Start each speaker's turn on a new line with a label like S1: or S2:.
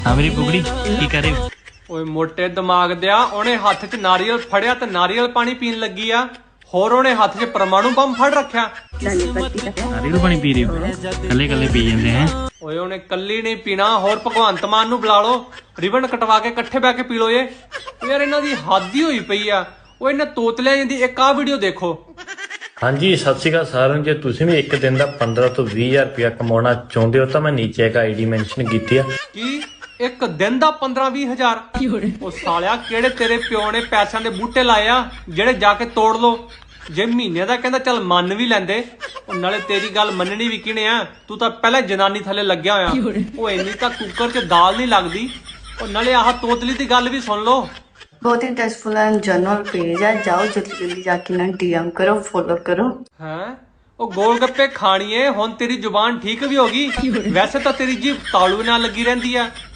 S1: हाँ मेरी बुगड़ी की कर रहे हो?
S2: ਓਏ ਮੋਟੇ ਦਿਮਾਗ ਦਿਆ ਉਹਨੇ ਹੱਥ 'ਚ ਨਾਰੀਅਲ ਫੜਿਆ ਤੇ ਨਾਰੀਅਲ ਪਾਣੀ ਪੀਣ ਲੱਗੀ ਆ ਹੋਰ ਉਹਨੇ ਹੱਥ 'ਚ ਪਰਮਾਣੂ ਬੰਬ ਫੜ ਰੱਖਿਆ
S1: नारियल पानी पी रहे हो? कल्ले कल्ले पी जाते हैं।
S2: ਓਏ ਉਹਨੇ ਕੱਲੀ ਨਹੀਂ ਪੀਣਾ ਹੋਰ ਭਗਵੰਤ ਮਾਨ ਨੂੰ ਬੁਲਾ ਲਓ ਰਿਬਨ ਕਟਵਾ ਕੇ ਇਕੱਠੇ ਬੈ ਕੇ ਪੀ ਲਓ ਇਹ ਯਾਰ ਇਹਨਾਂ ਦੀ ਹੱਦ ਹੀ ਹੋਈ ਪਈ ਆ ਉਹ ਇਹਨਾਂ ਤੋਤਲਿਆਂ ਜਾਂਦੀ ਇੱਕ ਆ ਵੀਡੀਓ ਦੇਖੋ।
S3: ਹਾਂਜੀ ਸਤਿ ਸ਼੍ਰੀ ਅਕਾਲ ਸਾਰਿਆਂ ਨੂੰ। ਜੇ ਤੁਸੀਂ ਵੀ ਇੱਕ ਦਿਨ ਦਾ 15 ਤੋਂ 20,000 ਰੁਪਇਆ ਕਮਾਉਣਾ ਚਾਹੁੰਦੇ ਹੋ ਤਾਂ ਮੈਂ ਨੀਚੇ ਇੱਕ ਆਈਡੀ ਮੈਂਸ਼ਨ ਕੀਤੀ ਆ।
S2: ਕੀ ਇੱਕ ਦਿਨ ਦਾ 15-20 ਹਜ਼ਾਰ? ਉਹ ਸਾਲਿਆ ਕਿਹੜੇ ਤੇਰੇ ਪਿਓ ਨੇ ਪੈਸਿਆਂ ਦੇ ਬੂਟੇ ਲਾਏ ਆ ਜਿਹੜੇ ਜਾ ਕੇ ਤੋੜ ਲੋ। ਜੇ ਮਹੀਨੇ ਦਾ ਕਹਿੰਦਾ ਚੱਲ ਮੰਨ ਵੀ ਲੈਂਦੇ ਉਹ ਨਾਲੇ ਤੇਰੀ ਗੱਲ ਮੰਨਣੀ ਵੀ ਕਿਹਨੇ ਆ ਤੂੰ ਤਾਂ ਪਹਿਲਾਂ ਜਨਾਨੀ ਥੱਲੇ ਲੱਗਿਆ ਹੋਇਆ ਉਹ ਇੰਨੀ ਤਾਂ ਕੁੱਕਰ 'ਚ ਦਾਲ ਨਹੀਂ ਲੱਗਦੀ ਉਹ ਨਾਲੇ ਆਹ ਤੋਤਲੀ ਦੀ ਗੱਲ ਵੀ ਸੁਣ ਲੋ।
S4: बहुत ही टेस्टफुल एंड जनरल पेज है, जाओ जल्दी जल्दी जाके ना डीएम करो, फॉलो करो।
S2: हैं ਉਹ ਗੋਲ ਗੱਪੇ ਖਾਣੀਏ ਹੁਣ ਤੇਰੀ ਜ਼ੁਬਾਨ ਠੀਕ ਵੀ ਹੋ ਗਈ ਵੈਸੇ ਤਾਂ ਤੇਰੀ ਜੀਭ ਤਾਲੂ ਨਾਲ ਲੱਗੀ ਰਹਿੰਦੀ ਆ